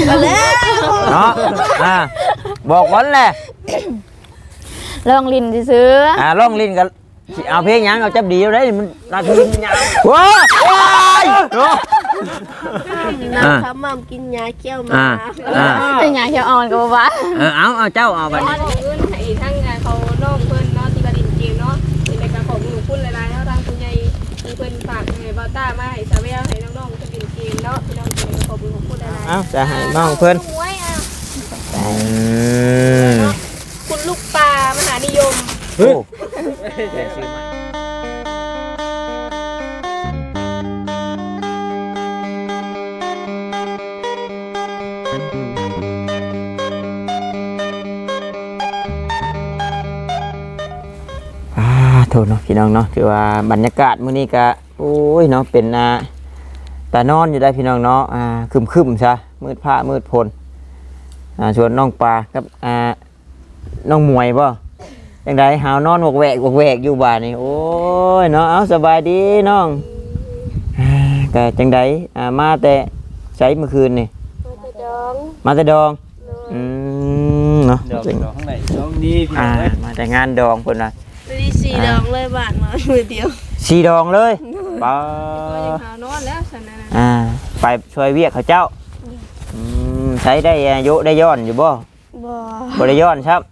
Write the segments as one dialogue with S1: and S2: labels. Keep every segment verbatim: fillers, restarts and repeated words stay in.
S1: กันแล้ว
S2: เนาะอ่าบอกวันแหละ
S3: ลองลิ้นซื้อ
S2: อ่าลองลิ้นกันเอาเพลงยังเอาจับดีเอาได้มันนาทียาวว้าว้ายเนาะ
S1: น้ำขมำกินยาเขี้ยวมา
S3: เป็นไงเขียวอ่อนกับบ้า
S2: เออเอาเอาเจ้าเอาไป
S4: ของเงินให้ทั้งเขาน้องเพิ่นเนาะที่กระดิ่งเกมเนาะในการของหนูพูดหลายๆเนาะทางคุณยายมีเพิ่นฝากให้บอต้ามาให้สาวแววให้น้องๆกระดิ่งเกมเนาะพี่น้องเกมขอบคุณของพูดหลายๆ
S2: เอาจะให้น้องเพิ่น
S4: คุณลูกปลามหานิยม
S2: โอ้โทษเนาะพี่น้องเนาะคือว่าบรรยากาศมื้อนี้ก็โอ้ยเนาะเป็นอ่าตานอนอยู่ได้พี่น้องเนาะอ่าครึมๆซะมืดผ้ามืดพลอ่าชวนน้องปลากับอ่าน้องมวยบ่จังได๋หาวนอนวกแวกวกแวกอยู่บ้านนี่โอ้ยเนาะเอาสบายดีน้องอ่าก็จังได๋อ่ามาแต่ใช้เมื่อคืนนี่
S4: มาแต่ดอง
S2: มาแต่ดองอืมเนาะ
S5: ดองดองข้างในดองดีพี่น้
S2: อ่า
S5: อง
S2: มาแต่งานดองเพิ่นน่ะ
S1: ดีสี่ดองเลยบาทมามือเดียว
S2: สีดองเลยป้า
S4: ก็ยังหานอนแล้วฉันนะ
S2: อ่าไปช่วยเวียกเขาเจ้าอืมใช้ได้อายุได้ย้อนอยู่บ่
S1: บ่
S2: บ่ได้ย้อนครับ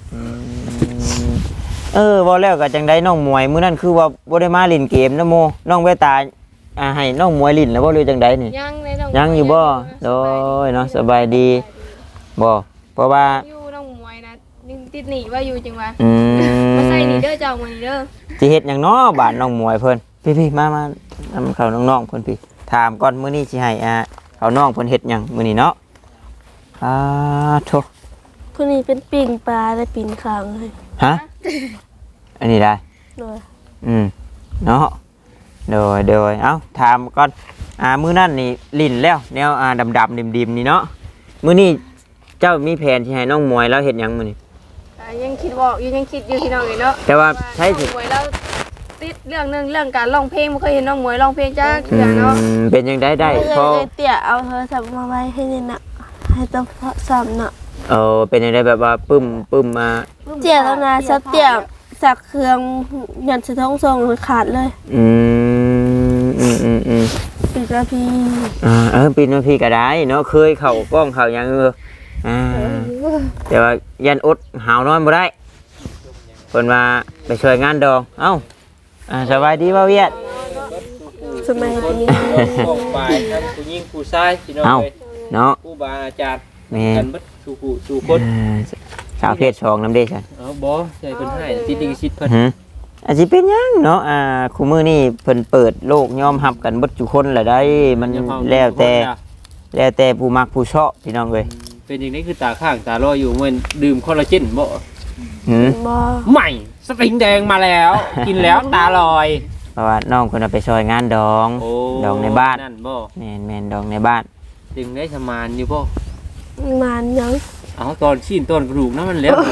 S2: เออบ่แล้วก็จังได้น้องมวยมื้อนั้นคือว่าบ่ได้มาเล่นเกมนะโมน้องเวตาอ่าให้น้องมวยลิ้นแล้วบ่หรือจังไดนี่
S4: ยังในน้อง
S2: ยังอยู่บ่โดยเนาะสบายดีบ่เพราะว่า
S4: อยู่น้องมวยนะติดหนีว่าอยู่จังว่า
S2: อืม
S4: มาใส่นี่เด้อเจ้ามื้อนี้เด้อ
S2: สิเฮ็ดหยังเนาะบ้านน้องมวยเพิ่นพี่ๆมามานำเข้าน้องๆเพิ่นพี่ถามก่อนมื้อนี้สิให้อ่าเขาน้องเพิ่นเฮ็ดหยังมื้อนี้เนาะอ่าโธ่
S1: ผู้นี้เป็นปิ่งปลาได้ปิ่งคางเลย
S2: ฮะอันนี้ได้
S1: โดย
S2: อืมเนาะโดยโดยเอ้าถามก่อนอ่ามื้อนั้นนี่ลิ้นแล้วแนวอ่าดำๆดิมๆนี่เนาะมื้อนี้เจ้ามีแผนสิให้น้องมวยแล้วเฮ็ดหยังมื้อนี้
S4: ยังคิดบอกยังคิดอยู่พี่น้องเลยเนาะ
S2: แต่ว่าใช่
S4: สิมวยแล้วติดเรื่องนึงเรื่องการร้องเพลงไม่เคยเห็นน้องมวยร้องเพลงจ้าเถื่อเนาะ
S2: เป็นยังได้ได้
S1: พอเตี่ยเอาโทรศัพท์มาไว้ให้นี่นะให้ต้องสอบเนาะ
S2: เออเป็นยังได้แบบว่าปึ้มปึ้มมา
S1: เตี่ยแล้วนะสักเตี่ยสักเครื่องหยันสะท้องทรงขาดเลย
S2: อืมอืมอืมอืม
S1: ปีกระพี
S2: อ่าเออปีนพี่ก็ได้เนาะเคยเข่ากล้องเข่ายังเอออ่าแต่ว่ายันอดหาวนอนบ่ได้คนมาไปช่วยงานดองเอ้าอ่าสบายดีบ่เวียด
S1: สบายดี
S5: บอกไปทั้งผู้หญิงผู้ชายพี่น้องเลย
S2: เนาะ
S5: ผู้บาอาจารย์
S2: แม่
S5: กันบัดสู่ผู้สู่คน
S2: สาวเพศสองนำเด้ใช่
S5: อ๋อบ่ใช่เพิ่นให้ติดลิขสิทธิ์เพิ่น
S2: อาจสิเป็นหยังเนาะอ่าคู่มื้อนี้เพิ่นเปิดโลกยอมรับกันเบิดทุกคนแหละได้มันแล้วแต่แล้วแต่ผู้มักผู้ชอบพี่น้องเอ้ย
S5: เป็นอย่างนี้คือตาข้างตาลอยอยู่เหมือนดื่มคอลลาเจนบ่
S2: หืม
S1: บ่
S5: ใหม่สปริงแดงมาแล้วกินแล้วตาลอย
S2: เพราะว่าน้องเพิ่นเอาไปช่วยงานดองดองในบ้าน
S5: นั่นบ่
S2: แม่นๆดองในบ้าน
S5: ดึงได้สมานอยู่บ่
S1: มานยัง
S5: เอาตอนชิ้นต้นกระดูกนั้นมันแล้ว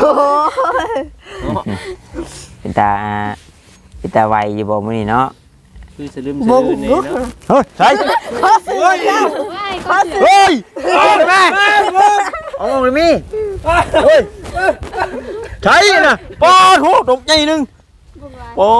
S2: เป็นตาเป็นตาไวอยู่บ่มื้อนี้เนาะ
S5: คือสลืมสลืมนี่เนาะ
S2: เฮ้ยใช่
S1: ขอซื้อแล้วขอซื้อ
S2: เฮ้ยเอาเลยแม่เอาเลยมี่เฮ้ยใช่น่ะปอโหตกใจนึงโอ้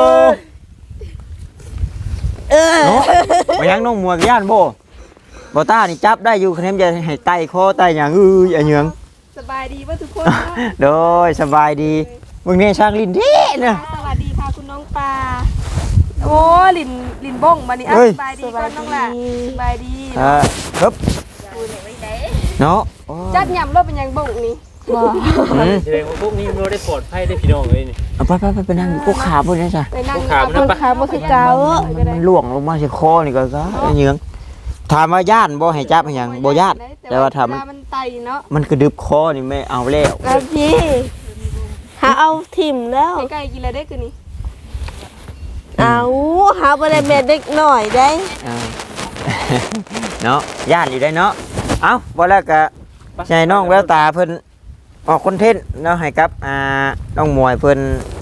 S1: เออ
S2: เนาะบ่ยังน้องมัวย่านบ่บ่ตานี่จับได้อยู่คะแนนจะให้ไต่คอไต่หยังอื้ออย่าเหยือง
S4: สบายดีป่ะทุกคน
S2: โดยสบายดีมึงนี่ช่างลิ้นดีนะ
S4: สวัสดีค่ะคุณน้องปลาโอ้ลินลินบ้งมานี่สบายดีก่อนน้องล่ะสบายดี
S2: ครับเนาะ
S4: จัดยำรถเป็นยังบ้งนี่
S1: บ่
S5: แสดงว่าพวกนี้มันได้ปลอดภัยได้พี่น้องเลยนี่
S2: เอาไปไปไปไปนั่งกูขาบนนี่จ้ะ
S4: กูขาบน
S1: กูขาบ่คือเก่า
S2: มันล่วงลงมาสิคอนี่ก็ซะเหยืองถามว่าย่านบ่ให้จับให้หยังบ่ย่านแต่ว่าถ้ามัน
S4: มันไตเนาะ
S2: มันกระดึบคอนี่ไม่เอาแล้ว
S1: ครับพี่หาเอาถิ่มแล้ว
S4: ไก่กินอะไรได้คือนี่
S1: เอาหาบ่ได้แม่เด็กหน่อยได้
S2: เนาะย่านอยู่ได้เนาะเอ้าบ่แล้วก็ใช่น้องแววตาเพิ่นออกคอนเทนต์เนาะให้กับอ่าน้องมวยเพิ่น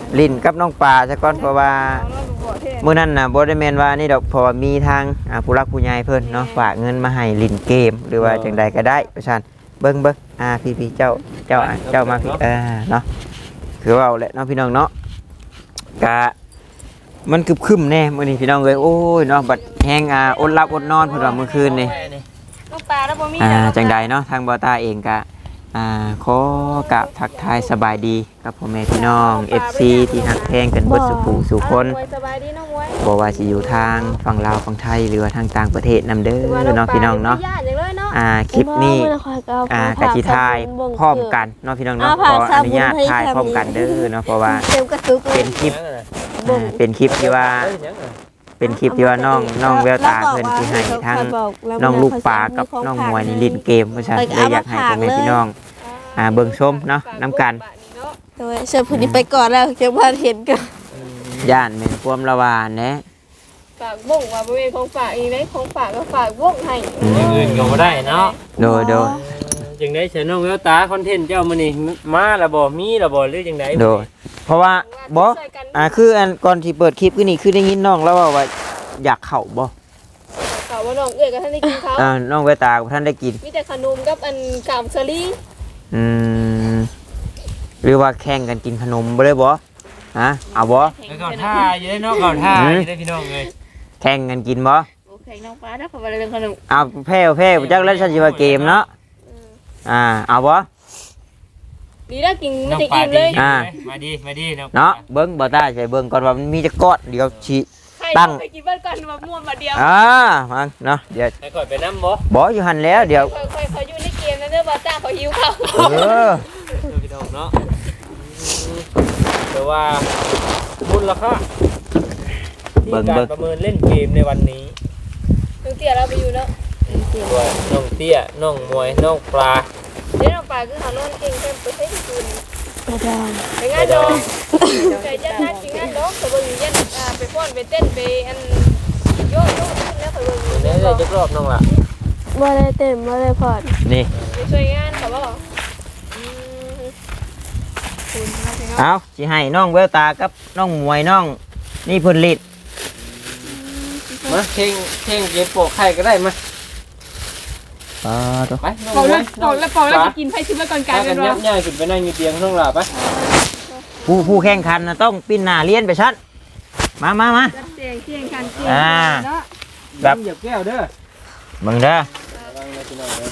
S2: ลิ้นกับน้องปลาซะก่อนเพราะว่า
S4: เอาแล้วบ่เท่
S2: มื้อนั้นน่ะบ่ได้แม่นว่านี่ดอกเพราะว่ามีทางอ่าผู้รักผู้ใหญ่เพิ่นเนาะฝากเงินมาให้ลิ้นเกมหรือว่าจังใดก็ได้ประชาชนเบิ่งเบิ่งอ่าพี่ๆเจ้าเจ้าอ่ะเจ้ามาพี่เออเนาะคือว่าเอาแหละเนาะพี่น้องเนาะกะมันคึบคึมแน่มื้อนี้พี่น้องเอ้ยโอ้ยเนาะบัดแฮงอ่าอดหลับอดนอนเพิ่นว่าเมื่อคืนนี่
S4: น้องปลาแล้วบ่มี
S2: อ่า
S4: แล้ว
S2: จังใดเนาะทางบอต้าเองก็อ่าขอกราบทักทายสบายดีกับพ่อแม่พี่น้อง เอฟ ซี ที่หักแพงกันเบิดสุขูสู่คน
S4: มวยสบายดีน้องมวย
S2: บ่ว่าสิอยู่ทางฝั่งลาวฝั่งไทยหรือว่าทางต่างประเทศนำเด้อเนาะพี่น้องเนาะ
S4: ญาติอย่างเลยเนาะ
S2: อ่าคลิปนี้
S1: บ่ได้ค่อยก็เ
S2: อ่ากะสิถ่ายพร้อมกันเนาะพี่น้องเนาะ
S1: อ่า
S2: ขอ
S1: ภาษา
S2: อนุญาต
S1: บุญให้
S2: ถ่ายพร้อมกันเด้อเนาะเพราะว่า
S1: เต็มกระตุกเล
S2: เป็
S1: ย
S2: นคลิปอ่าเป็นคลิปที่ว่าเป็นคลิปที่ว่าน้องน้องแววตาเพิ่นสิให้ทางน้องลูกปลากับน้องมวยนี่เล่นเกมเพราะฉะนั้นเลยอยากให้พ่อแม่พี่น้องอ่าเบิ่งชมเนาะนํกัน
S1: โดยเชิญผู้นี้ไปก่อนแล้วเจ้าบ้านเห็นกัน
S2: ย่านแม่นความระวานแหนะ
S4: ฝากบ่งว่าบ่เป็นของฝากอีกได้ของฝากก็ฝากบ่งให้
S5: อย่างอื่นก็บ่ได้เนาะ
S2: โดยโดย
S5: จังได๋เสียน้องแววตาคอนเทนต์เจ้ามื้อนี้มาแล้วบ่มีแล้วบ่หรือจังได๋
S2: โดยเพราะว่าบ่อ่าคืออันก่อนที่เปิดคลิปคือนี่คือได้ยินน้องแล้วว่าว่าอยากเข้าบ่
S4: ข่าวว่าน้องเอ้ยกับท่านได้กินเขา
S2: อ่าน้องแววตากับท่านได้กิน
S4: มีแต่ขนมกับอันกามเชอรี่
S2: อืมหรือว่าแข่งกันกินขนมบ่ได้บ่ฮะเอาบ่
S5: แล้วก็ท่าอยู่ได้เนาะก็ท่าอยู่ได้พี่น้องเอ้ย
S2: แข่งกันกินบ่
S3: โอเคน้องปลาถ้าเขาไปเรื่องขนม
S2: เอาแพ้วแพ้วจักแล้วฉันสิว่าเกมเนาะอ่าเอาบ่
S4: ดีแล้วกิน
S5: น้
S4: ไม่
S5: อง
S4: ได้
S5: ปลา
S4: อิ่ม
S5: ดี
S4: เลย
S2: อ่า
S5: มาดีมาดีน้อง
S2: เนาะเบิ่งบ่ตาใส่เบิ่งก่อนว่ามันมีจักก้อนเดี๋ยวสิ
S4: ใคร
S2: ตั้ง
S4: ไปกินบ้านก่อนมาม่วนมาเดียว
S2: อ่ามาเนาะเดี๋ยว
S5: ให้ก่อยไปนำบ่
S2: บ่อยู่หั่นแล้วเดี๋ยว
S4: ค่อยๆเขาอยู่ในเกมนะเด้อบาจ้าเขาหิวเขา
S2: เออ
S5: พี่น้องเนาะแต่ว่าบุญราคาที่การประเมินเล่นเกมในวันนี้
S4: น้องเตี้ยเราไปอยู่แล้ว
S5: ตัวน้องเตี้ยน้องมวยน้องปลา
S4: เดี๋ยวน้องปลาคือเขานอนเก่งเต็มไปใช้ที่คืน
S1: กระดาน
S4: ไปงานดองใจจะนัดกินงานดองเขาเบิ่งยันอ่าไปฟ้อนไปเต้นไปอันโยกโยกขึ้นแล้วเขาเบิ่งอยู่
S5: เนี่ยได้จักรอบน้องล่ะ
S1: บ่ได้เต็มบ่ได้พอด
S2: นี่
S4: ไปช่วยงานเขาบอกอืมคุณนะพี่น้อง
S2: เอาสิให้น้องแววตากับน้องมวยน้องนี่เพิ่นลิด
S5: มาเข่งเข่งเก็บโปะไข่ก็ได้มา
S2: อ่าตัว
S5: ไปน้อง
S4: เป่าม
S5: ว
S4: แล้ว
S5: ย
S4: เป่าแล้วเป่าแล้วจะกินไผ่ชิมไว้ก่อนกลา
S5: พาย
S4: เป็
S5: กัน
S4: น
S5: ยั
S4: ว่า
S5: บย่ายขึ้นไปนั่งอยู่เตียงน้องล่ะไป
S2: ผู้ผู้แข่งขันนะต้องปิ้นหน้าเลียนไปชัดมามามา
S4: จัดเสียงเสียงกันเสียง
S2: อ่า
S4: เนาะ
S2: แบบ
S5: เหยียบแก้วเด้อ
S2: มึงเด้อ
S5: ระวังนะพี่น้องเด้อ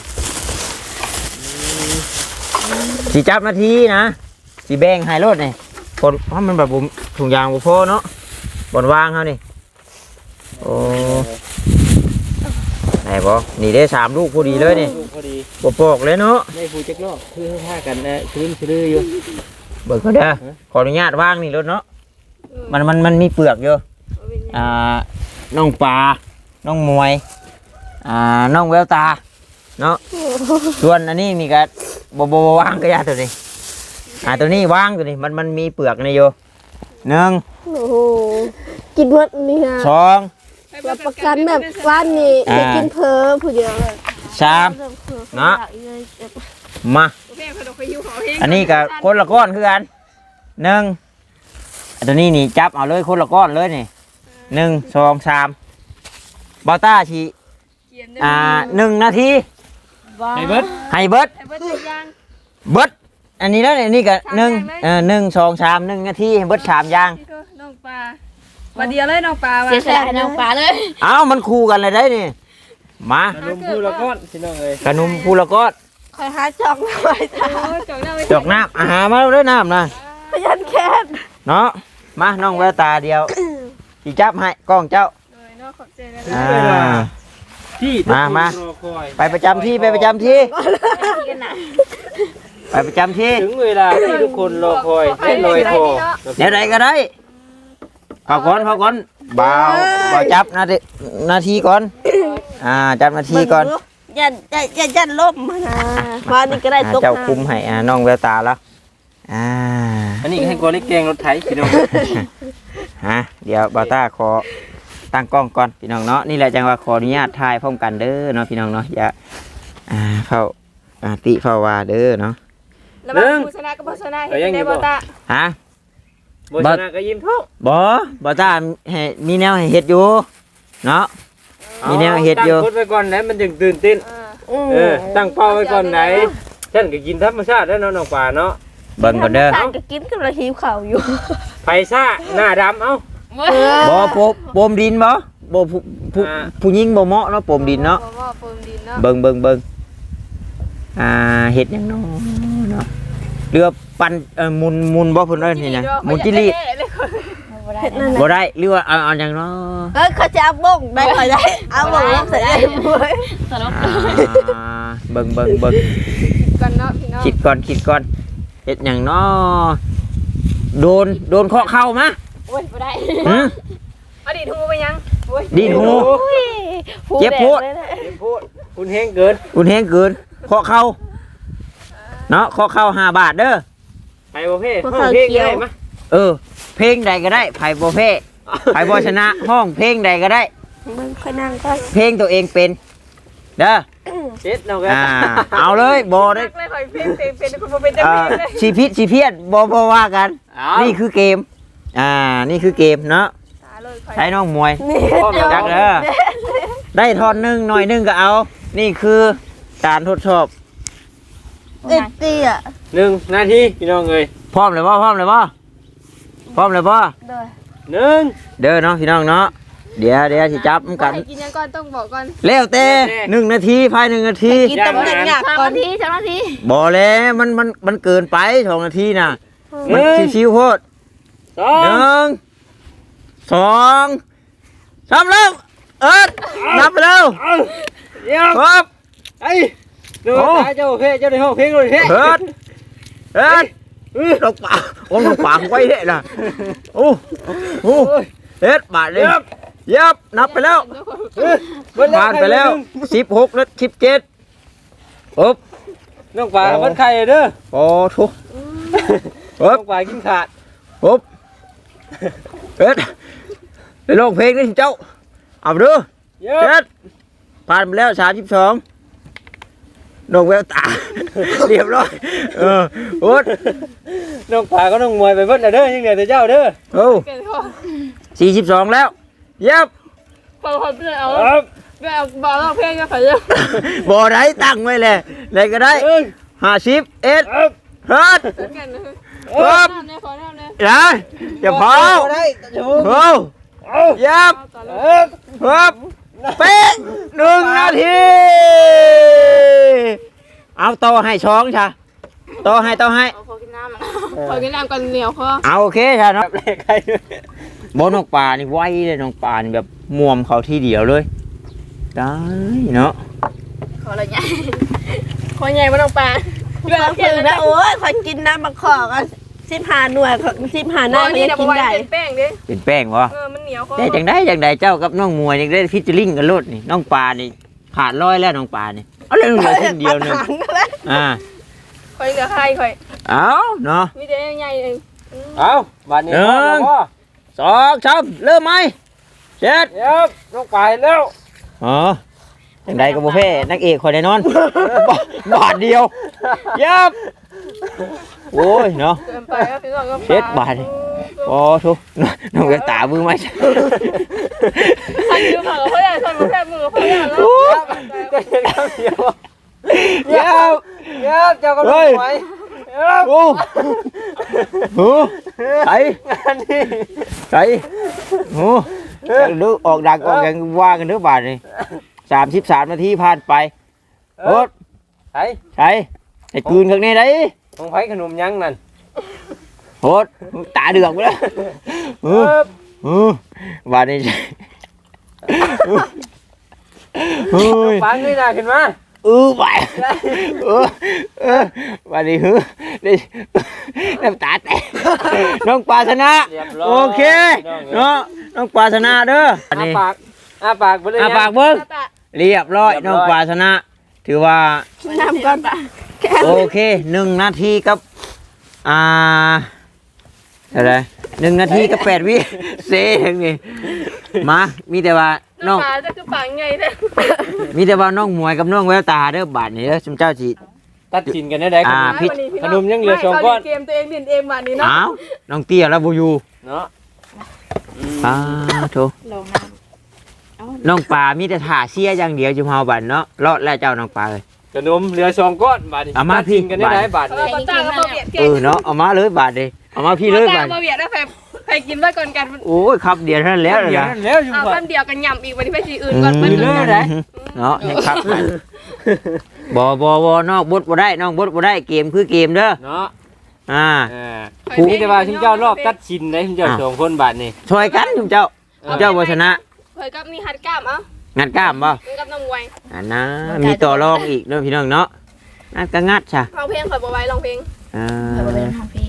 S2: สิจับนาทีนะสิแบ่งให้รถนี่คนเพราะมันแบบบุถุงยางบุพอเนาะบนวางเขานี่โอ้ไหนบอนี่ได้สามลูกพอดีเลยนี่
S5: ลูกพอดี
S2: บปอกเลยเนาะ
S5: ได้ผู้จักรอบคือท่ากันนะคืนซื้ออยู่
S2: เบิกเขาเด้อขออนุญาตวางนี่รถเนาะมันมันมันมีเปลือกอยู่อ่าน้องปลาน้องมวยอ่าน้องแววตาเนาะส่วนอันนี้นี่ก็บบบวางก็ยาตัวนี้อ่าตัวนี้วางตัวนี้มันมันมีเปลือกนี่อยู่หนึ่ง
S1: โอ้โหกินหมดนี่ฮะ
S2: สอง
S1: รับประกันแบบว่านนี่จะกินเพ้อผู้เดียวเลย
S2: สามเนาะมา
S4: แม่เขาต้องไปหิวเขาเอง
S2: อันนี้กับคนละก้อนคือกันหนึ่งอันตัวนี้นี่จับเอาเลยคนละก้อนเลยนี่หนึ่งสองสามบอต้าชี
S4: เกียน
S2: อ่าหนึ่งนาที
S5: ไอ้เบิด
S2: ให้เบิด
S4: ไอ้เบิร์ดใส่ยาง
S2: เบิดอันนี้แล้วเนี่ยนี่ก็หนึ่ง
S4: สามอย่างเลย
S2: เออหนึ่งสองสามหนึ่งนาทีให้เบิดสามอย่าง
S4: พี่ก็น้องปลาวันเดียวเลยน้องปลาว่ะ
S3: เสียสละให้น้องปลาเลย
S2: เอ้ามันคู่กันเลยได้นี่มา
S5: ขนมผู้ละก้อนพี่น้องเอ้ย
S2: ขนมพูละก้อน
S1: คอยหาจอกหน่อยจ้า
S4: โอ้ยจอกหน้าไว้
S2: จอกน้ำอาหารมาแล้วน้ำนะ
S1: พยันแค้น
S2: เนาะมาน้องแววตาเดียวสิจับให้กล้องเจ้า
S4: เลยเนาะขอบใจนะ
S2: อ่า
S5: ที่
S2: มามา
S5: รอคอย
S2: ไปประจำที่ไปประจำที่
S3: กันนะ
S2: ไปประจำที่
S5: ถึงเวลาที่ทุกคนรอคอยได้ลอยคอ
S2: เดี๋ยวใดก็ได้พอก่อนพอก่อนเบาเบาจับนาทีนาทีก่อนอ่าจับนาทีก่อน
S1: อย่าอย่าอย่าอย่าล้มมานะมานี่ก็ได้
S2: อ่า
S1: ตก
S2: เจ้าคุมให้อ่าน้องแววตาแล้วอ่า
S5: อันนี้ให้กอเล็กแกงรถไถพี่น้อง
S2: ฮะเดี๋ยวบาต้าขอตั้งกล้องก่อนพี่น้องเนาะนี่แหละจังว่าขออนุญาตถ่ายพร้อมกันเด้อเนาะพี่น้องเนาะอย่าอ่าเข้าอ่าติเข้าว่าเด้อเนาะ
S4: แล้วมาโฆษณาก็โฆษณาเห็นในบอตา
S2: ฮะ
S5: บ่ชนะก็ยิ้มท้อง
S2: บ่บ่ตาให้มีแนวให้เฮ็ดอยู่เนาะมีแนวเฮ็ดอยู่
S5: ตั้งกฎไว้ก่อนไหนมันจึงตื่นเต้น
S4: อ่า
S5: เออตั้งเป้าไว้ก่อนไหนฉันก็กินธรรมชาติแล้วเนาะน้องป่าเนาะ
S2: เบิ่งก่อนเด้อ
S1: ทานก็กินกับเราหิวข้าวอยู่
S5: ไผซ่าหน้าดำเอ้า
S2: บ่โปะโปมดินบ่บ่ผู้ผู้
S5: อ่า
S2: ผู้หญิงบ่เหมาะเนาะโปมดินเนาะ
S4: เพราะว่าเฟิร์มดินเนาะ
S2: เบิ่งเบิ่งเบิ่งอ่าเฮ็ดหยังเนาะเนาะเรือปั่นเอ่อหมุนหมุนบ่เพิ่นเอิ้นนี่หยังหมุนจิลี
S1: เฮ็ดนั่นแหละ
S2: บ่ได้หรือว่าเอาเอาหยังเนาะ
S1: เอ้ยเขาจะเอาบ้งได้เขาได้เอาบ้งลงใส่ได้บ่ย
S3: สนุก
S2: อ่าเบิ่งเบิ่งเบิ่ง
S4: กันเนาะพี่น้อง
S2: คิดก่อนคิดก่อนเฮ็ดหยังเนาะโดนโดนเคาะเข้ามา
S3: โอ้ยบ่ได้
S2: หึ
S4: อดีตหูไปยังโอ้ย
S2: ดีดหู เจ็บโพด
S1: แดงเลยนะ
S5: เจ็บพูดคุณแห้งเกิน
S2: คุณแฮงเกินเคาะเข้าเนาะเคาะเข้าห้าบาทเด้อ
S5: ไผบ่เพ่ห้องเพลงได้มะ
S2: เออ เพลงใดก็ได้ไผบ่แพ้ไผบ่ชนะห้องเพลงใดก็ได้
S1: มึงค่อยนั่งก่อน
S2: เพลงตัวเองเป็นเด้อ
S5: เจ็ดเนาะกัน
S2: อ่าเอาเลยบ่ได้
S4: นักเลยคอยเพลงเพลงเป็นคุณบ่เป็นจัง
S2: อ่า
S4: เพลงเลย
S2: ชีพิตชีเพียดบ่บ่ว่ากัน
S5: เอา
S2: นี่คือเกมอ่านี่คือเกมเนาะ
S4: ตาเลยคอย
S2: ใช้น้องมวย
S1: นี่
S2: จักเด้อได้ทอนหนึงหน่อยหนึงก็เอา นี่คือการทดสอบ
S1: เอ็ดตี้อ่ะ
S5: หนึ่งนาทีพี่น้องเอ้ย
S2: พร้อมเลยบ่พร้อมเลยบ่พร้อมเลยบ่
S1: เด้อ
S5: หนึ่ง
S2: เด้อเนาะพี่น้องเนาะเดี๋ยวเดี๋ยวสิจับมันกัน
S4: ให้กินยังก่อนต้องบอกก่อน
S2: แล้วแต่หนึ่งนาทีภายหนึ่งนาที
S1: กินต้มเด็กหยัก
S3: สาม
S1: ก่อน
S3: นาทีสามนาที
S2: บ่แล้วมันมันมันเกินไปสองนาทีน่ะมันชิวๆโพด
S5: สอ
S2: ห
S5: ง
S2: นึ่งสองสามเริ่มเอิดนับไปเร็ว
S5: เอาเดี๋ยว
S2: ครับ
S5: ไอ้ดูตาเจ้าเพ่เจ้าในห้องเพลงเลยเพ่
S2: เอิดเอิดลงป่าโอ้ลงป่าไว้เด้น่ะโอ้โอ้เอ็ดบาทเลยเย็บนับไปแล้วผ่านไปแล้วสิบหกแล้วสิบเจ็ดปุ๊บ
S5: น้องป่ามันไข่เด้อ
S2: โอ้ทุก
S5: น้
S2: ปุ๊
S5: อบ งป่ากินขาด
S2: ปุ๊บเอ็ดไปลงเพลงนี่เจ้าเอาไปดู
S5: เยอะ
S2: เจ็ดผ่านไปแล้วสามสิบสองนกแววตา เรียบร้อยเออโอ๊ต
S5: น้องป่าก็น้องมวยไปเบิดแล้วเด้อยังเหลือแต่เจ้าเด้อ
S2: โอ้
S4: เกินพอ
S2: สี่สิบสองแล้วเย็บ
S4: พอพอเพื่อนเอา
S5: ครับ
S4: เพื่อนเอาบอกร้องเพลงก็ขอเยอะ
S2: บ่ได้ตั้งไว้เลยเลยก็ได้
S5: เอ้ย
S2: ห้าสิบเอ็ด
S5: ครับ
S2: เฮิร์ต
S4: กันนะ
S2: ปุ๊บ
S4: น้ำเนี่ยขอน้ำเนี่ย
S2: อย่าอย่าเผา
S5: ได้จะ
S2: โอ้
S5: เอา
S2: เย็บ
S4: ต่อเล
S5: เอย อ
S2: ครับเป๊ะหนึ่งนาที เอาต่อให้ช้องชาต่อให้ต่อให้
S3: เอาพอกินน้ำอ่ะ
S4: ขอกินน้ำก่อนเหนียวคอ
S2: เอาโอเคชาเนาะ
S5: แรกใคร
S2: บนนกปลานี่ไวเลยนกปลานี่แบบม่วมเขาที่เดียวเลยได้เนาะ
S3: ขออะไรเนี่ย
S4: ขอใหญ่มาต้องปลา
S1: เรื่องคือนะโอ้ยคอยกินน้ำมะขอกันสิบห้าหน่วยสิบห้าหน้า
S4: อัน
S1: ไม่
S4: นี้
S1: ได้
S4: เดี๋ยว
S1: กิน
S4: ไว้
S1: ได้
S4: เป็นแป้งดิ
S2: เป็นแป้งวะ
S4: เออมันเหนียวคอ
S2: ได้จังได้จังได้เจ้ากับน้องมวยยังได้ฟิชเจอริงกันโลดนี่น้องปลานี่ขาดร้อยแล้วน้องปลานี่เอาเลยเหลือทีเดียวหนึง
S1: ปัญหาแล้ว
S2: อ่า
S4: คอยเหลือใครคอย
S2: เอาเนาะ
S4: มีแต่ใหญ่เอง
S5: เอาบาดนี้
S2: หนึ่ง
S5: พ่อ
S2: สองสามเริ่มไหมเจ็ด
S5: เดี๋ยวน้องป่าเห็นแล้ว
S2: อ๋อจังใดกับบุฟเฟ่นักเอกคอยแน่นอน บาทบาทเดียวยับโอ้ยเนาะ
S4: เกินไปก็พี่น้องก็
S2: เจ็ดบาท โอ้ทุกน้องเวตามือไหม
S4: ใครดูผักกับพ่อใหญ่คนกับแค่มือกับพ่อใหญ่แล้ว
S5: จะเห็นคำเดียวเดี๋ยวเดี๋ยวเจ้าก็รู้ไหมเดี๋ยว
S2: โอ้โหใส่
S5: งานนี้
S2: ใส่โอ้ดูออกดังออกกันว่ากันเด้อบาทนี่สามสิบสามนาทีผ่านไปโอ๊ต
S5: ไอ้
S2: ใช่ไอ้กืนข้างในได้
S5: ของไผ่ขนมยังนั่น
S2: โอ๊ตตาเดือกไปแล้วเออเออบาทนี่เฮ้ย
S5: ฟังนี่นะขึ้นมา
S2: เออไปเออเออวันนี้ฮึได้น้ำตาแตกน้องปลาชนะโอเคเนาะน้องปลาชนะเด้ออัน
S5: อา
S2: นี้
S5: ปากอาปากไปเลย
S2: อาปากเบิ้งเรียบร้อยน้องปลาชนะ ถือว่า
S1: น้ำก่อนปะ
S2: โอเคหนึ่งนาทีกับอ่าอะไรหนึ่งนาทีกับแปดวิเซ่ทั้งนี้มามีแต่ว่าน้
S4: น้
S2: อ
S4: อง งปลาจะคือปากใหญ่เลย
S2: มีแต่ว่าน้องมวยกับน้องแววตาเด้อบาดนี้เด้อชุมเจ้าจี
S5: ตตัดสินกันได้ได้
S2: อ่า
S5: ขนม
S2: พี่
S5: ขนมยังเหลือสองก้อน
S4: เกมตัวเองเล่นเองบัดนี้เนาะ
S2: อ้าวน้องเตี้ยแล้วบ่อยู่
S5: เนาะอืม
S2: อ้าโถ
S3: ลงน้ำเอา
S2: น้องปลามีแต่ถ่าเสียอย่างเดียวจุมเฮาบัดเนาะรอดแล้วเจ้าน้องปลาเลย
S5: ขนมเหลือสองก้อนบาทนี่
S2: เอามา
S5: ตัดสิน
S2: พี่
S5: กันได้ได้บาท
S4: เอ
S5: นี่
S4: อบ่ตาก็บ่เบียด
S2: เอ
S4: เก่ง
S2: อเนาะเอามาเลยบาดเลยเอามาพี่เลย
S4: บ่ตา
S2: บาด
S4: บ่เบียดนะไปไปกินไว้ก่อนกัน
S2: โอ้ยครับเดียวเท่านั้นแล้ว
S5: เดี๋ยว
S2: นะ
S5: นั่นแล้วอยู่
S4: เอา
S5: ก่อ
S4: แป๊
S5: น
S4: บเดียวกันย่ำอีกวันนี้ไปสีอื่นก่อนเพิ่น
S5: อืม
S4: กัน
S5: ได้
S2: เนาะให้ครับบ่บ่บ่นอกบดบ่ได้นอกบดบ่ได้เกมคือเกมเด้อ
S5: เนาะ
S2: อ่า
S5: อ่าผู้นี้แต่ว่าชิมเจ้ารอบตัดสินได้ชิมเจ้า
S2: อ่ะ
S5: สองคนบาทนี่
S2: ช่วยกันจุมเจ้าจุมเจ้าบ่ชนะ
S4: เพิ่นกับนี่หัดกล้ามเอ้า
S2: งัดกล้ามบ่
S4: เพิ่นกับน้องมวย
S2: อันนะมีต่อรองอีกเด้อพี่น้องเนาะงัดก็งัดซะ
S4: ร้องเพลงข่อยบ่ไหวร้องเพลง
S2: อ่า
S3: เอาไปเล่นห้องพี่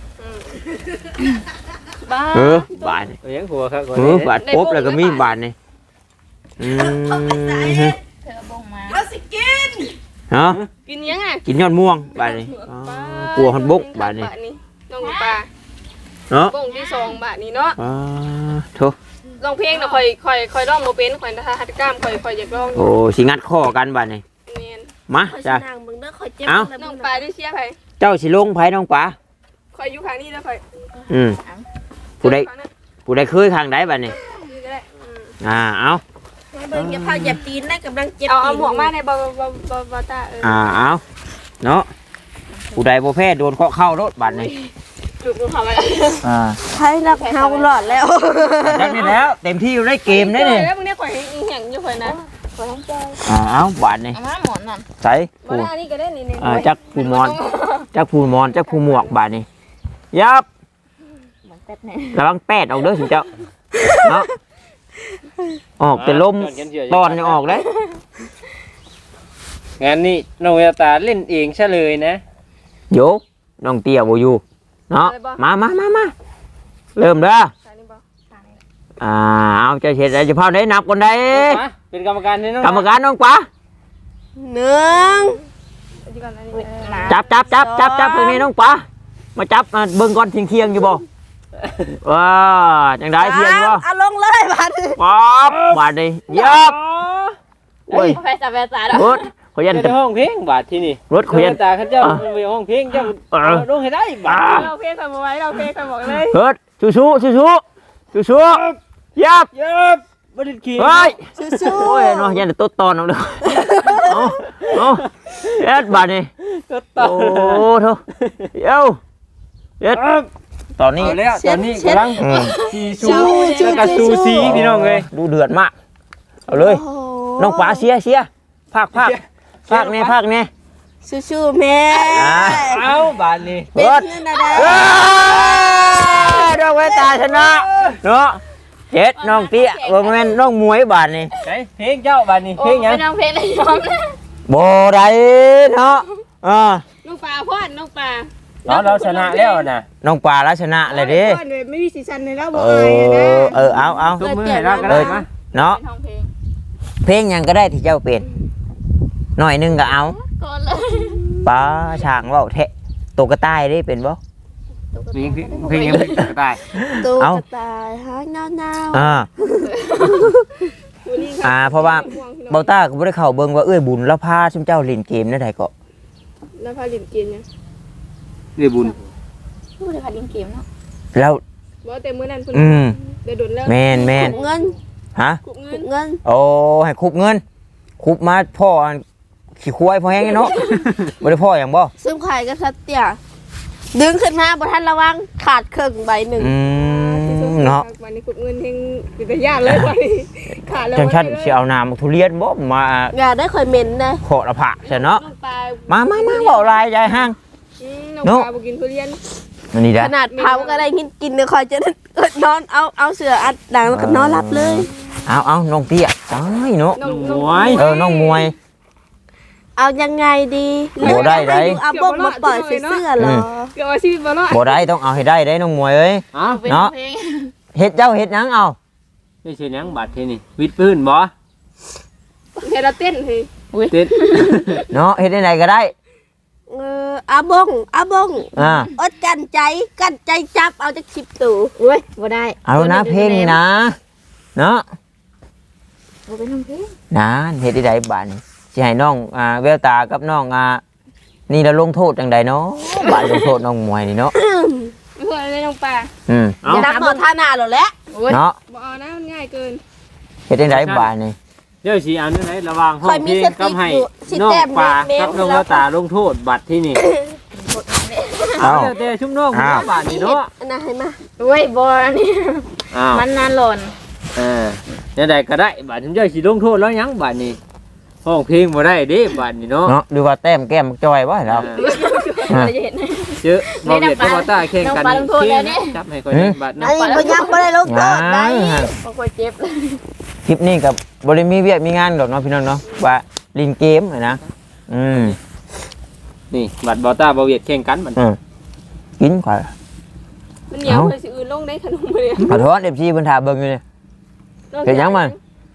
S4: บ้า
S2: เออบาดนี่
S5: เอายังหัวครับ
S2: เออบาดปุ๊บแล้วก็มีบาดนี่อืม
S3: เธอบ่งมา
S2: เนาะ
S4: กินยังไง
S2: กินยอดม่วงบาดนี่อ๋อกลัวฮอนบกบาดนี่
S4: น้องปลา
S2: เนาะ
S4: บ่งที่สองบาทนี้เนาะ
S2: อ่าโถ
S4: ร้องเพลงน่ะข่อยข่อยข่อยร้องบ่เป็นข่อยถ้าหัดกล้ามข่อยข่อยอยากร้อง
S2: โอ้สิงัดข้อกันบาดนี่
S4: แม่น
S2: มา
S1: คอย
S2: จ้ะ
S1: นางเบิ่งเด้อคอยเจ็บ
S2: เอ้า
S4: น้องปลาได้เชียร์ไผ
S2: เจ้าสิลงไผน้องป๋า
S4: ข่อยอยู่ข้างนี้แล้วข่อย
S2: อืมผู้ใด
S4: ข้างนั้น
S2: ผู้ใดเคยข้างใดบาดนี่
S4: นี่ก็ได้อืม
S2: อ่าเอา
S1: เบิ่งอย่าพาเหยียบตีนได้กำลังเจ็บ
S4: เอาเอา
S1: ตีน
S4: หมวกมาในบ่บ่บ่บ่ตาเออ
S2: อ่าเอาเนาะผู้ใดบ่แพ้โดนเคาะเข้ารถบาดนี่
S4: จุกดูเขาไว้
S2: อ่า
S1: ใช่นักเฮาหลอดแล้ว
S2: จักนี่แล้วเต็มที่อยู่ในเกมได้นี่
S4: แล้วมึงเนี่ยข่อยให้อีหยังอยู่ข่อยนะ
S3: ขอทั้งใจ
S2: อ่าเอาบาดนี่
S3: เอามาหมอนนั่น
S2: ใส่
S4: บ่
S2: ผู้
S4: ได้นี่ก็ได้นี่นี่
S2: อ่าจักผู้มอนจักผู้มอนจักผู้หมวกบาดนี่ยับ
S3: หมอนแป๊บเนี่ย
S2: ระวังแปดออกเด้อสิเจ้าเนาะออกแต่ลมตอนยังออกเลย
S5: งานนี้น้องเวลตาเล่นเองซะเลยนะ
S2: โยน้องเตี้ยบ่อยู่เนาะมามามามาเริ่มเด้อ
S4: ใส่นี่บ่
S2: อ่าเอาใจเสร็จแล้วจะพาได้นับคนใด
S5: มาเป็นกรรมการให้น้อง
S2: กรรมการน้องป๋า
S1: หนึ่ง
S4: เอาดีก่อนอันนี้
S3: อุ๊ย
S4: เออ
S3: หมา
S2: จับจับจับจับจับตรงนี้น้องป๋ามาจับมาเบิ่งก่อนเที่ยงเที่ยงๆอยู่บ่ว้าจังได้เที่ยงบ่
S1: เอาลงเลยบาดนี้
S2: ป๊อบบาดนี้ยับโอ้ย
S3: แฟซ่าแฟซ่าแล้ว
S2: รถขยัน
S5: จะได้ห้องเพลงบาทที่นี่
S2: รถขยัน
S5: น้องเวลตาเขาเจ้าไปห้องเพลงเจ้า
S2: เออ
S5: เอาลงให้ได้บาท
S4: เราเพลงข่อยบ่ไหวเราเพลงข่อยบอกเลย
S2: เฮ้ยชูชูชูชูชูชูยับ
S5: เย็บบ่ได้ขี่
S2: เฮ้ย
S1: สู้
S2: โอ้ยเนาะยันแต่ต้นตอนเอาเด้อเอาเอาเอ็ดบาดนี้
S5: ก็ต่อ
S2: โอ้โถเอ้าเอ็ดตอนนี้
S5: เอาแล้วตอนนี้กำลัง
S2: อืม
S5: ซีซูแล้วก็ซูซีพี่น้องเอ้ย
S2: ดูเดือดมากเอาเลย
S1: โอ้โห
S2: น้องป๋าเชียร์เชียร์ภาคภาคภาคเนี่ยภาคเนี่ย
S1: สู้ๆแม่
S2: อ่า
S5: เอาบาทนี้
S1: เป็นเงินอะไร
S2: เอ้ยน้องเวตาชนะเนาะเจ็ดน้องเตี้ยบ่แม่นน้องมวยบาดนี่
S5: ไหนเพลงเจ้าบาทนี้
S3: โอ้
S5: เพลงหยัง
S3: เป็นน้องเพลงเลยยอมนะ
S2: บ่ได้เนาะอ่า
S4: น้องปลาพ่อนน้องปลา
S5: เราเราชนะแล้วน่ะ
S2: น้องป๋าแล้วชนะเลยเด้
S4: พ่อนเลยไม่มีสีสันเลยแล้วบ่
S2: เอ
S4: อายอะนะ
S2: อเออเอาเอา
S5: ทุกมือให้เราก็ได้มา
S2: เนาะ
S3: เป็นห้องเพลง
S2: เพลงหยังก็ได้ที่เจ้าเป็นหน่อยหนึงก็เอา
S3: ก่อนเลย
S2: ป้าช่างเว้าแทะตกกระต่ายได้เป็นบ่
S5: เพลงเพลงยังไม่ได้
S1: ตู้
S2: เอา
S1: กระต่ายหางเงาๆ
S2: อ่า
S4: ดูนี่ครับ
S2: อ่าเพราะว่า เบาต้าก็บ่ได้เข้าเบิ่งว่าเอ้ยบุญแล้วพาซุมเจ้าเล่นเกมได้ใดก็
S4: แล้วพาลินกินเนี่ย
S5: เรียบุญ
S3: พูดเลยค่ะลิงเกมเนาะ
S2: แล้ว
S4: บ่แต่มื้อนั้นเพิ่น
S2: อืม
S4: เดี๋ยวโดนแล้ว
S2: แม่นแม่น
S1: เงิน
S2: ฮะ
S4: กุบเงิ
S1: ขุ
S4: น
S1: บเงิน
S2: โอ้ให้คุบเงิน คุบมาพ่ออันขี้ควายพอแห้งเนาะ บ่ได้พ่อหยังบ่
S1: ซึ่งไข่ก็สัตเตี้ยดึงขึ้นมาบ่ทันระวังขาดครึ่งใบหนึ่ง
S2: อืมเนาะ
S4: วันนี้กุบเงินเฮงเป็นตาญาติเลยวันนี้ขาดแล้ว
S2: จังฉันสิเอาน้ำทุเรียนบ่มา
S1: อย่าได้ค่อยเหม็นนะ
S2: ขอละผักซะเนาะ
S4: น้องปลา
S2: มามามาเว้าลายยายห้าง
S4: อืมน้องปลาบ่กินทุเรียน
S2: อันนี้
S1: ข
S2: ได้
S1: นาดเผาก็ได้กินกินเลยคอยจะนอนเอาเอาเสืออัดดังแล้วก็นอนหลับเลย
S2: เอาเอาน้องเตี้ยตายเนาะ
S4: น้อง
S5: ม
S4: น้อง
S5: วย
S2: เออน้องมวย
S1: เอายังไงดี
S2: โอ้ได้ได้
S1: เอาบกมาปล่อยใส่เสื้อเหรอ
S4: เกี่ยวกับชีวิตบ่เนาะ
S2: บ่ได้ต้องเอาให้ได้ได้น้องมวยเอ้ย
S5: อ้าว
S3: เป็นห้องเพลง
S2: เฮ็ดเจ้าเฮ็ดหยังเอา
S5: นี่ใช่ยังบาทที่นี่วิดปืนบ่
S4: ให้เราเต้นเฮ้ย
S5: เต้น
S2: เนาะเฮ็ดได้ไหนก็ได้
S1: เอออาบงอาบง
S2: อ่า
S1: อดกันใจกันใจจับเอาจากสิบตู่
S3: อุ้ยบ่ได้
S2: เอานะเพลงนี่นะเนาะ
S3: บ่เป็นห้องเพลง
S2: นะเฮ็ดได้ไดบาดนี้สิให้น้องอ่าแววตากับน้องอ่านี่เราลงโทษจังใดเนาะบาดลงโทษน้องมวยนี่เนาะ
S4: เพื่อนได้น้องปลา
S2: อืม
S1: อย่านับหมดท่าหน้าหรอกแหละ
S2: เนาะ
S4: บ่เอานะมันง่ายเกิน
S2: เฮ็ดจังไดบาดนี่
S5: เดี๋ยวสิอันนั้นไหนระหว่างห้อ
S1: คอง ย
S5: เพ
S1: มี
S5: ลง
S1: ส
S5: กั
S1: ติ
S5: บให้
S1: อยู่สิ
S5: น้อง
S1: แต้ม
S5: ปลา
S1: เม
S5: กับ
S1: ม
S5: น้อง
S1: แล้
S5: กาว ตาลงโทษบัตรที่นี่
S2: เอ้า
S5: แต่ชุ่มน้องหัวบาทนี่เนาะ
S1: อันนั้นให้มา
S3: โอ้ยบ่อันนี้
S5: อ้าว
S3: มันนานหล่น
S5: เออเนี่ยใดก็ได้บาทชุ่มเจ้าสิลงโทษแล้วยังบาทนี้ห้องเพลงบ่ได้เด้บาทนี้เนาะ
S2: เนาะดูว่าแต้มแก้มจอยบ่เรา
S3: เราจะเห็น
S5: เจอบ่เวียดกับบ่ต้าแข่งกัน
S3: น้องปลาลงโทษแล้วนี่
S5: จับให้ก่อนบาท
S1: อันนี้บ่ยังบ่ได้ลงโทษได้
S3: บ่ค่อยเจ็บเลย
S2: คลิปนี้กับบริมีเวียกมีงานดอกเนาะพี่น้องเนาะว่าลินเกมอะนะอืม
S5: นี่บัตรบ่ต้าบ่เวียดแข่งกันบัด
S2: อืมกินก่อน
S4: มันเหนียวเลยสิอื่นลงได้ขนมเลย
S2: ขอโทษเอฟซีเพิ่นถามเบิ่งอยู่นี่ เฮ็ดหยังมัน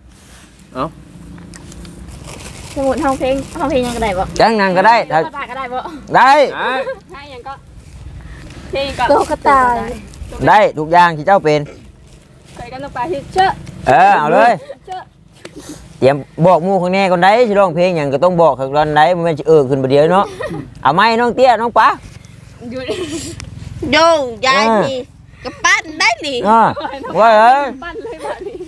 S3: สมุดห้องเพลงห้องเพลงยังก็ได้บ่
S2: จังนั้นก็ได้ถ้า
S3: ภาษาก็ได้บ่
S2: ได้
S4: ใช่ยังก็เพลงก็
S1: โตกระต่าย
S2: ได้ทุกอย่างที่เจ้าเป็น
S4: เคยกันน้องปลาที่เชื่อ
S2: เออเอาเลย
S4: เชื่อ
S2: เตรียมบอกหมู่ข้างแน่ก่อนได้สิร้องเพลงหยังก็ต้องบอกข้างนั้นได้บ่แม่นสิเออขึ้นบ่เดียวเนาะเอาไม้น้องเตี้ยน้องป๋า
S4: อยู่
S1: โยงยายนี่กระปั้นได้หนิ
S2: อ่าว่าเอ้ย
S4: ปั้นเลยบ้านี้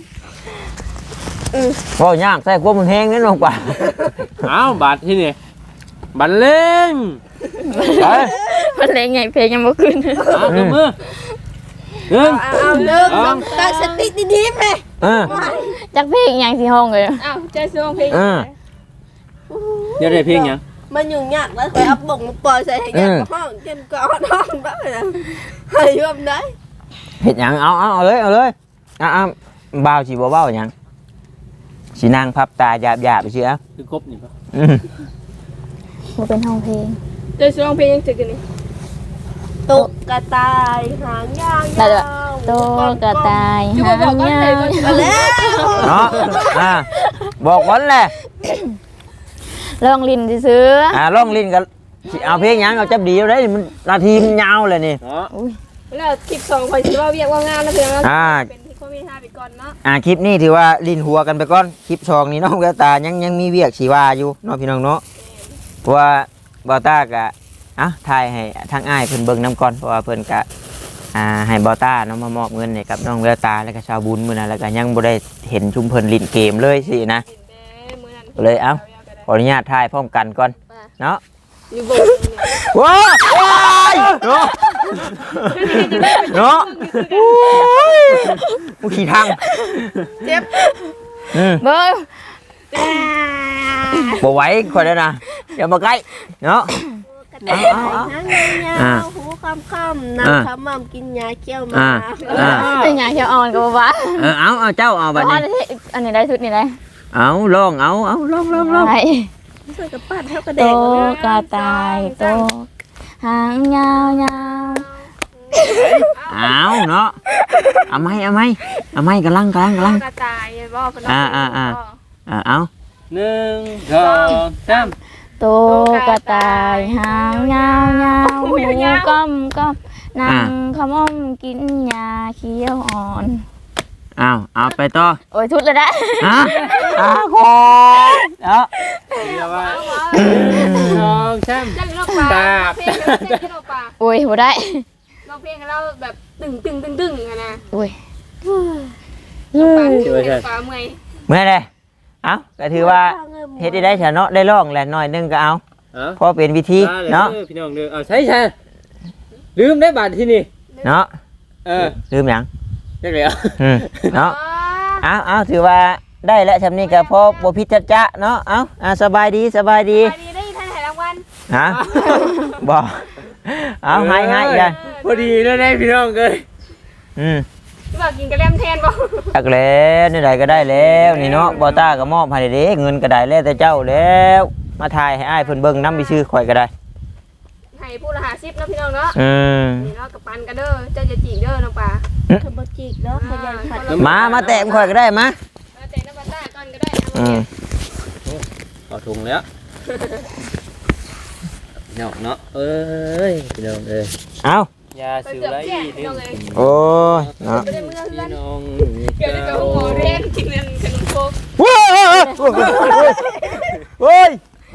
S2: บ่ยากใส่กลัวมันแห้งเด้น้องป๋า
S5: อ้าวบาทที่นี่บันเล่ง
S2: ไป
S3: มันเพลงไงเพลงยังบ่ขึ้น
S5: อ้าวมือมือหนึ่ง
S1: เอาเอาเลิกตั้งสติดีๆแม่
S2: เออ
S3: จักเพลงยังสิห้องเลย
S4: อ้าวใจซื้อเพลง
S2: เออ
S5: เดี๋ยวได้เพลงหยัง
S1: มันยุ่งยากแล้วคอยเอาบ่งมาปล่อยใส่ให้แกห้องจนก่อนห้องบ้าเลยให้ยอมได้
S2: เฮ็ดหยังเอาเอาเอาเลยเอาเลยอ่ะอ่ะบ่าวสิบ่เว้าหยังสินั่งพับตาหยาบๆไปเชื่อ
S5: คือครบนี่ปะ
S2: อืม
S3: บ่เป็นห้องเพลง
S4: ใจซื้อเพลงยังจึกกันนี่
S1: ตกกระต่ายหางยาว
S3: ได้ด้วยโตกระต่ายหางยาว
S1: มาแล้ว
S2: เนาะอ่าบอกวันแหละ
S3: ลองลิ้นซื้อ
S2: อ่าร้องลิ้นกันสิเอาเพลงหยังเอาจับดีเอาได้มันนาทีมันยาวเลยนี่
S5: เนาะ
S4: แล้วคลิปสองคอยคิดว่าเวียกว่างานแล้วเพียงแล้ว
S2: อ่า
S4: เป็นที่ข้อมีห้าไปก่อนเนาะ
S2: อ่าคลิปนี้ถือว่าลิ้นหัวกันไปก่อนคลิปชองนี่น้องแววตายังยังมีเวียกสีว่าอยู่เน้องพี่น้องเนาะเพราะว่าบอต้ากะอ่ะถ่ายให้ทางอ้ายเพิ่นเบิ่งน้ำก่อนเพราะว่าเพิ่นกะอ่าให้บอต้าเนาะมามอบเงินให้กับน้องแววตาแล้วก็ชาวบุญมื้อนั้นแล้วก็ยังบ่ได้เห็นชุมเพิ่นลิ้นเกมเลยสินะ เลยเอ้า ขออนุญาตถ่ายพร้อมกันก่อนเนาะ
S4: อยู่บ่
S2: ว้าวว้ายเนาะเนาะโอ้ยกูขี่ทาง
S1: เจ็บ
S2: อืม
S3: เบิ่ง
S2: บ่ไหวคอยแล้วนะอย่ามาใกล้เนาะ
S1: กระต่ายหางยาวหูค่ำๆน้ำขมำกินยาเขี้ยวมา
S2: อ่าอ่า
S3: เป็นหยังเขียวอ่อนก็บ่ว่า
S2: เออเอาเอาเจ้าเอาบัด
S3: อั
S2: นี้
S3: นนี้อันนี้ได้ชุดนี่ได้
S2: เอาลองเอาเอาลองลองลอง
S3: ได้
S1: ช่วยกับปั้นเท่ากระ
S3: โต
S1: เด็ก
S3: กระต่ายโตหางยาวยาว
S2: เอาเนาะเอาไหมเอาไหมเอาไหมกำลังกำลังกำลัง
S4: กระต่ายบ่
S2: อ่าอ่าอ่า อ่าเอา
S5: หนึ่งสองสาม
S3: โตกระต่ายหางยาวยาวหูก้อมก้อมนั่งขมอมกินยาเขียวอ่อน
S2: เอาเอาไปต่อ
S3: โอ้ยทุดเลยได้
S2: ฮะอ่าขอเนาะ
S5: เดี๋ยวว่าหนึ่งสองสาม
S4: จังนกปลาเพลงเต้นนกปลา
S3: โอ้ยบ่ได้
S4: ร้องเพลงให้เราแบบตึงตึงตึงตึงอะนะ
S3: โอ้ย
S4: ปลาที่เป็นปลาเมื่อย
S2: เมื่อไรเอาก็ถือว่าเฮ็ดได้ได้เถอะเนาะได้ลองแหละหน่อยนึงก็เอา
S5: เอ้า
S2: เพราะเป็นวิธีเนาะ
S5: พี่น้องเด้อเอาใช่ใช่ลืมได้บาทที่นี่
S2: เนาะ
S5: เออ
S2: ลืมหยัง
S5: จักแล้ว
S2: อืมเนาะเอาเอาถือว่าได้แล้วชำนี้ก็พอบ่ผิดจัดจะเนาะเอาอ่าสบายดีสบายดี
S4: ไปดีได้ท่านถ่ายรางวัล
S2: ฮะบ่เอาให้ให้อีกแล้ว
S5: พอดีแล้วได้พี่น้องเลย
S2: อืม
S4: ที่บอกกินกระเล่มแทนบ่
S2: จักแล้วนี่ใดก็ได้แล้วนี่เนาะบ่ต้าก็มอบให้เด้เงินก็ได้แล้วแต่เจ้าแล้วมาถ่ายให้อ้ายเพิ่นเบิ่งนำไปชื่อข่อยก็ได้
S4: ให้ผู้ละหาซิปเนาะพี่น้องเนาะ
S2: อืม
S4: นี่เนาะกับปันกันเด้อเจ้าจะจีกเด้อน้องปลา
S1: ขบจิกเนาะขยันผัด
S2: มามาแตะข่อยก็ได้มา
S4: แล้วแต่น้ำปลาต้าก่อนก็ได้
S2: อืม
S5: เอาถุงแล้วเนาะเนาะเอ้ยพี่น้องเอ้ย
S2: เอา
S5: ยาสิวไร
S4: พี่น้องเอ้ย
S2: โอ้ยเนาะ
S4: ไม่ได้มือเพื่
S5: พี่
S4: อน
S5: น้อง
S4: เกี่ยวกับหัวเรียนกินเงินขนมโคก
S2: โอ้ยโอ้ยโอ้ย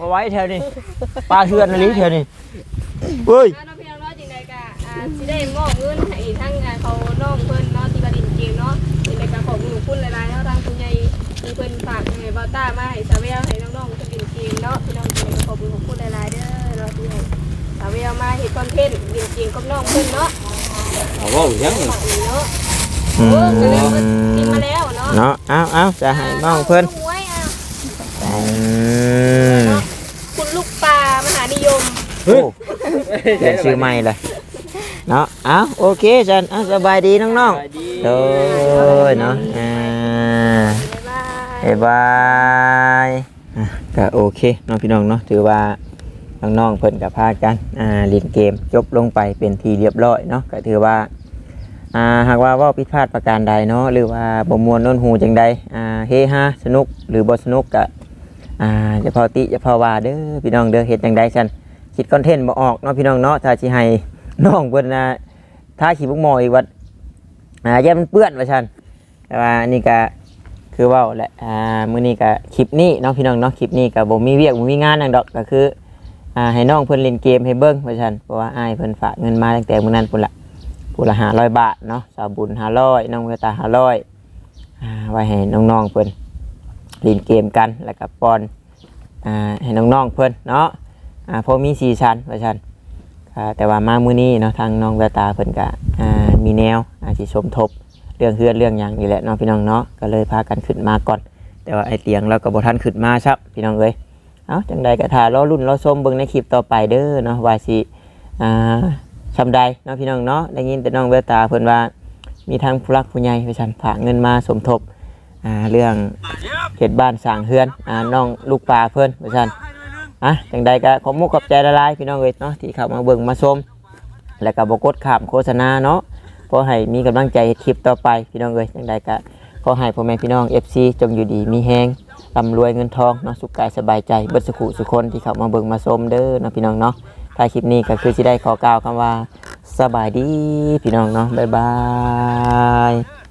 S2: มาไว้แถวนี้ปลาเทือนอะไรแถวนี้เฮ้ย
S4: น้องพี่น้องเนาะจริงใดก็อ่าสิได้มอบเงินให้ทั้งงานเขาน้องเพิ่นเนาะที่กระดิ่งเกมเนาะจริงใดก็ขอบคุณหนูคุณหลายๆเนาะทางคุณใหญ่ที่เพิ่นฝากให้เบาต้ามาให้สาวเวลให้น้องๆกระดิ่งเกมเนาะพี่น้องจริงใดก็ขอบคุณหนูคุณหลายๆเด้อเนาะที่ให้สาวเวลมาเฮ็ดคอนเทนต์กระดิ่งเกมกับน้องเพิ่นเนาะ
S5: เอาเว้าหยังนี่
S4: เนาะ
S2: อื
S4: เอ
S2: ม
S4: อก็เลยมากินมาแล้วเนาะ
S2: เนาะเอาเอาจะให้น้องเพิ่น
S4: หวยอ่ะ
S2: อืม
S4: เนาะคุณลูกปลามหานิยม
S2: โอ้เปลี่ยนชื่อใหม่เลยเนาะเอาโอเคจันเอาสบายดีน้องๆโดยเนาะอ่า
S4: บ๊ายบาย
S2: บ๊ายบายอ่ะก็โอเคน้องพี่น้องเนาะถือว่าน้องๆเพิ่นกับพากันอ่าเล่นเกมจบลงไปเป็นทีเรียบร้อยเนาะก็ถือว่าอ่าหากว่าเว่าผิดพลาดประการใดเนาะหรือว่าบ่ม่วนโน้นหูจังใดอ่าเฮฮาสนุกหรือบ่สนุกก็อ่าจะพอติจะพอว่าเด้อพี่น้องเด้อเฮ็ดจังใดกันคิดคอนเทนต์บ่ออกเนาะพี่น้องเนาะถ้าสิให้น้องเพิ่นน่ะถ้าขี้บุกหมออีกว่าอ่าอย่ามันเปื้อนว่าซั่นแต่ว่านี่ก็คือเว้าแหละอ่ามื้อนี้ก็คลิปนี้เนาะพี่น้องเนาะคลิปนี้ก็บ่มีเวียกบ่มีงานหยังดอกก็คืออ่าให้น้องเพิ่นเล่นเกมให้เบิ่งว่าซั่นเพราะว่าอ้ายเพิ่นฝากเงินมาตั้งแต่มื้อนั้นพุ่นล่ะพุ่นละห้าร้อยบาทเนาะสาวบุญห้าร้อยน้องเวตาห้าร้อยอ่าไว้ให้น้องๆเพิ่นเล่นเกมกันแล้วก็ป้อนอ่าให้น้องๆเพิ่นเนาะอ่าพอมีสีสันว่าซั่นอ่าแต่ว่ามามื้อนี้เนาะทางน้องเวตาเพิ่นก็อ่ามีแนวอ่าสิสมทบเรื่องเฮือนเรื่องหยังนี่แหละเนาะพี่น้องเนาะก็เลยพากันขึ้นมาก่อนแต่ว่าไอ้เตียงเราก็บ่ทันขึ้นมาครับพี่น้องเอ้ยเอ้าจังใดก็ท่ารอรุ่นรอชมเบิ่งในคลิปต่อไปเด้อเนาะว่าสิอ่าชำใดเนาะพี่น้องเนาะได้ยินแต่น้องเวตาเพิ่นว่ามีทางผู้รักผู้ใหญ่ไปซั่นฝากเงินมาสมทบอ่าเรื่องเขตบ้านสร้างเฮือนอ่าน้องลูกปลาเพิ่นไปซั่นอ่ะจังใดก็ขอมุกขอบใจละลายพี่น้องเอ้ยเนาะที่เข้ามาเบิ่งมาชมแล้วก็บ่กดข้ามโฆษณาเนาะขอให้มีกำลังใจคลิปต่อไปพี่น้องเอ้ยจังใดก็ขอให้พ่อแม่พี่น้อง เอฟ ซี จงอยู่ดีมีแฮงร่ำรวยเงินทองเนาะสุขกายสบายใจเบิดสุขุสุคนที่เข้ามาเบิ่งมาชมเด้อเนาะพี่น้องเนาะถ้าคลิปนี้ก็คือสิได้ขอกล่าวคำว่าสบายดีพี่น้องเนาะบ๊ายบาย